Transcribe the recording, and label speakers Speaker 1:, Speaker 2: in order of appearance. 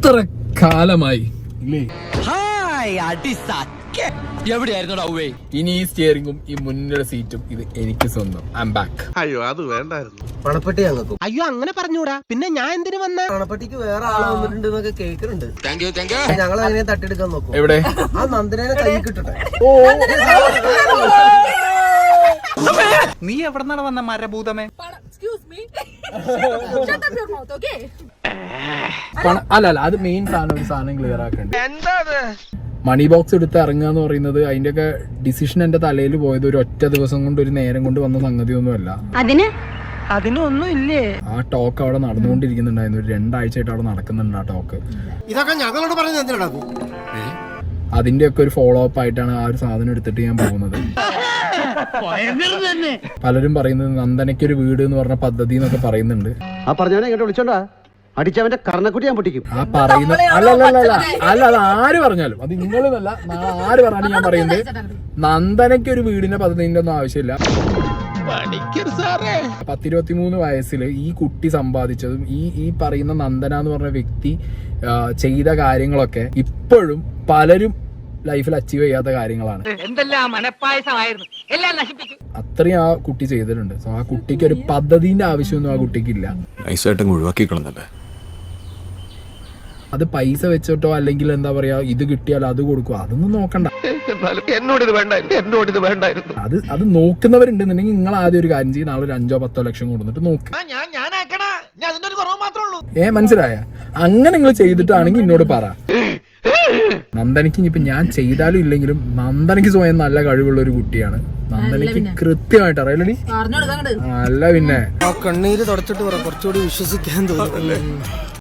Speaker 1: എത്ര കാലമായി ഇല്ലേ?
Speaker 2: എവിടെയായിരുന്നു?
Speaker 1: ഇനി ഈ സ്റ്റിയറിംഗും ഈ മുന്നിലെ സീറ്റും ഇത് എനിക്ക് സ്വന്തം. I am back.
Speaker 3: അയ്യോ അത് വേണ്ടായിരുന്നു.
Speaker 4: പണപ്പെട്ടി ഞങ്ങൾക്കും.
Speaker 2: അയ്യോ അങ്ങനെ പറഞ്ഞൂടാ. പിന്നെ ഞാൻ എന്തിനു വന്ന?
Speaker 4: പണപ്പെട്ടിക്ക് വേറെ ആള് വന്നിട്ടുണ്ട് എന്നൊക്കെ കേൾക്കുന്നുണ്ട്. ഞങ്ങൾ അതിനെ തട്ടിയെടുക്കാൻ നോക്കും.
Speaker 1: എവിടെ?
Speaker 4: ആ നന്ദനെ കൈ കിട്ടട്ടെ.
Speaker 5: നീ എവിടെന്നാണ് വന്ന മരഭൂതമേ?
Speaker 1: അല്ല അത് മെയിൻ സാധനം. ഒരു സാധനം ക്ലിയർ ആക്കണ്ട. മണി ബോക്സ് എടുത്ത് ഇറങ്ങുക എന്ന് പറയുന്നത് അതിന്റെയൊക്കെ ഡിസിഷൻ എന്റെ തലയിൽ പോയത് ഒരു ഒറ്റ ദിവസം കൊണ്ട് ഒരു നേരം കൊണ്ട് വന്ന സംഗതിയൊന്നുമല്ല.
Speaker 2: അതിനൊന്നും ഇല്ലേ?
Speaker 1: ആ ടോക്ക് അവിടെ നടന്നുകൊണ്ടിരിക്കുന്നുണ്ടായിരുന്നു. ഒരു 2 ആഴ്ചയായിട്ട് അവിടെ നടക്കുന്നുണ്ട് ആ ടോക്ക്.
Speaker 4: ഇതൊക്കെ ഞങ്ങളോട് പറഞ്ഞത് എന്തിനാണ്?
Speaker 1: അതിന്റെയൊക്കെ ഒരു ഫോളോ അപ്പ് ആയിട്ടാണ് ആ ഒരു സാധനം എടുത്തിട്ട് ഞാൻ പോകുന്നത്. പലരും പറയുന്നത് നന്ദനയ്ക്കൊരു വീട് എന്ന് പറഞ്ഞ പദ്ധതി എന്നൊക്കെ പറയുന്നുണ്ട്.
Speaker 4: ആ പറഞ്ഞവനെ ഇങ്ങോട്ട് വിളിച്ചോണ്ടാ അടിച്ചവന്റെ കർണക്കുട്ടി ഞാൻ പൊട്ടിക്കും.
Speaker 1: ആ പറയുന്ന അല്ല അത് ആര് പറഞ്ഞാലും, അത് നിങ്ങളെന്നല്ല, ആര് പറഞ്ഞാലും ഞാൻ പറയുന്നത് നന്ദനയ്ക്ക് ഒരു വീടിന്റെ പദ്ധതിന്റെ ഒന്നും ആവശ്യമില്ല. 10-23 വയസ്സിൽ ഈ കുട്ടി സമ്പാദിച്ചതും ഈ പറയുന്ന നന്ദന എന്ന് പറഞ്ഞ വ്യക്തി ചെയ്ത കാര്യങ്ങളൊക്കെ ഇപ്പോഴും പലരും ലൈഫിൽ അച്ചീവ് ചെയ്യാത്ത കാര്യങ്ങളാണ്. അത്രയും ആ കുട്ടി ചെയ്തിട്ടുണ്ട്. സോ ആ കുട്ടിക്ക് ഒരു പദ്ധതിന്റെ ആവശ്യമൊന്നും ആ കുട്ടിക്കില്ല. അത് പൈസ വെച്ചിട്ടോ അല്ലെങ്കിൽ എന്താ പറയാ ഇത് കിട്ടിയാൽ അത് കൊടുക്കും, അതൊന്നും നോക്കണ്ട. അത് നോക്കുന്നവരുണ്ടെന്നുണ്ടെങ്കിൽ നിങ്ങൾ ആദ്യം ഒരു കാര്യം ചെയ്യും, നാളെ ഒരു 5-10 ലക്ഷം കൊടുത്തിട്ട് നോക്ക്. മനസ്സിലായ? അങ്ങനെ നിങ്ങൾ ചെയ്തിട്ടാണെങ്കിൽ എന്നോട് പറ. നന്ദനയ്ക്ക് ഇനിയിപ്പോ ഞാൻ ചെയ്താലും ഇല്ലെങ്കിലും നന്ദനയ്ക്ക് സ്വയം നല്ല കഴിവുള്ള ഒരു കുട്ടിയാണ്. നന്ദനയ്ക്ക് കൃത്യമായിട്ട് അറിയാലോ. അല്ല പിന്നെ
Speaker 4: കണ്ണീര് തുടച്ചിട്ട് കുറച്ചുകൂടി വിശ്വസിക്കാൻ തോന്നുന്നു.